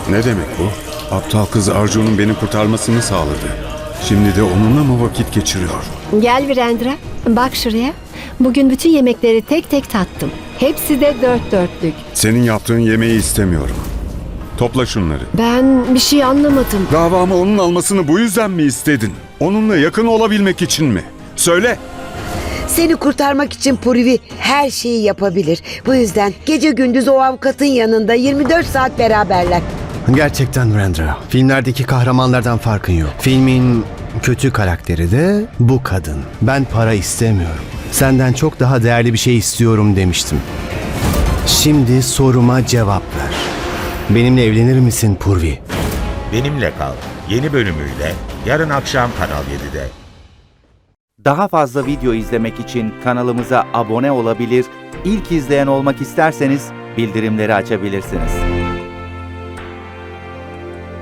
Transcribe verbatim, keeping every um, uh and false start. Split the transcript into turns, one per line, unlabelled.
Ne demek bu? Aptal kız Arju'nun beni kurtarmasını sağladı. Şimdi de onunla mı vakit geçiriyor?
Gel Virendra, bak şuraya. Bugün bütün yemekleri tek tek tattım. Hepsi de dört dörtlük.
Senin yaptığın yemeği istemiyorum. Topla şunları.
Ben bir şey anlamadım.
Davamı onun almasını bu yüzden mi istedin? Onunla yakın olabilmek için mi? Söyle.
Seni kurtarmak için Purvi her şeyi yapabilir. Bu yüzden gece gündüz o avukatın yanında yirmi dört saat beraberler.
Gerçekten Virendra, filmlerdeki kahramanlardan farkın yok. Filmin kötü karakteri de bu kadın. Ben para istemiyorum. Senden çok daha değerli bir şey istiyorum demiştim. Şimdi soruma cevap ver. Benimle evlenir misin Purvi?
Benimle Kal yeni bölümüyle yarın akşam Kanal yedide.
Daha fazla video izlemek için kanalımıza abone olabilir, ilk izleyen olmak isterseniz bildirimleri açabilirsiniz.